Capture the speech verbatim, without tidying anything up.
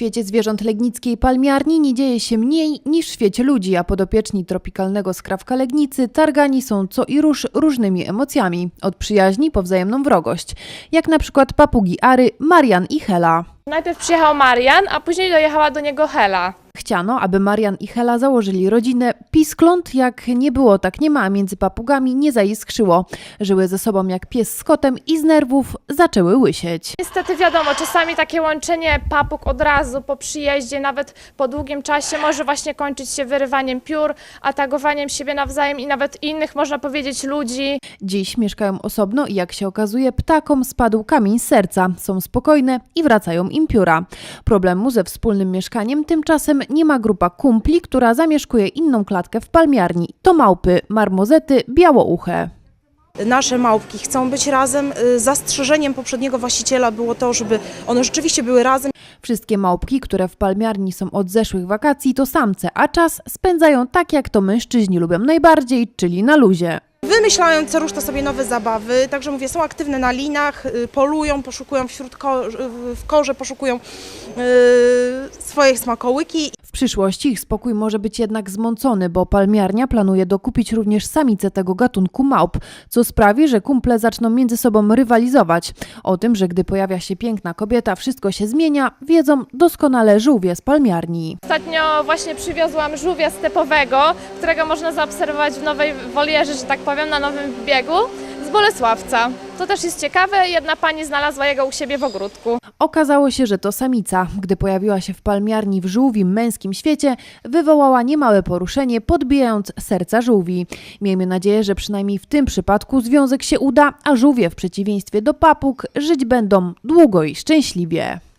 świecie zwierząt legnickiej palmiarni nie dzieje się mniej niż w świecie ludzi, a podopieczni tropikalnego skrawka Legnicy targani są co i róż różnymi emocjami, od przyjaźni po wzajemną wrogość, jak na przykład papugi Ary, Marian i Hela. Najpierw przyjechał Marian, a później dojechała do niego Hela. Chciano, aby Marian i Hela założyli rodzinę. Piskląt jak nie było, tak nie ma, a między papugami nie zaiskrzyło. Żyły ze sobą jak pies z kotem i z nerwów zaczęły łysieć. Niestety wiadomo, czasami takie łączenie papug od razu po przyjeździe, nawet po długim czasie może właśnie kończyć się wyrywaniem piór, atakowaniem siebie nawzajem i nawet innych, można powiedzieć, ludzi. Dziś mieszkają osobno i jak się okazuje, ptakom spadł kamień z serca. Są spokojne i wracają im pióra. Problemu ze wspólnym mieszkaniem tymczasem nie ma grupa kumpli, która zamieszkuje inną klatkę w palmiarni. To małpy, marmozety, białouche. Nasze małpki chcą być razem. Zastrzeżeniem poprzedniego właściciela było to, żeby one rzeczywiście były razem. Wszystkie małpki, które w palmiarni są od zeszłych wakacji, to samce, a czas spędzają tak, jak to mężczyźni lubią najbardziej, czyli na luzie. Wymyślają co rusz to sobie nowe zabawy, także mówię, są aktywne na linach, polują, poszukują wśród ko w korze, poszukują yy, swoje smakołyki. W przyszłości ich spokój może być jednak zmącony, bo palmiarnia planuje dokupić również samice tego gatunku małp, co sprawi, że kumple zaczną między sobą rywalizować. O tym, że gdy pojawia się piękna kobieta, wszystko się zmienia, wiedzą doskonale żółwie z palmiarni. Ostatnio właśnie przywiozłam żółwia stepowego, którego można zaobserwować w nowej wolierze, że tak powiem, na nowym biegu z Bolesławca. To też jest ciekawe, jedna pani znalazła jego u siebie w ogródku. Okazało się, że to samica. Gdy pojawiła się w palmiarni w żółwim męskim świecie, wywołała niemałe poruszenie, podbijając serca żółwi. Miejmy nadzieję, że przynajmniej w tym przypadku związek się uda, a żółwie w przeciwieństwie do papug żyć będą długo i szczęśliwie.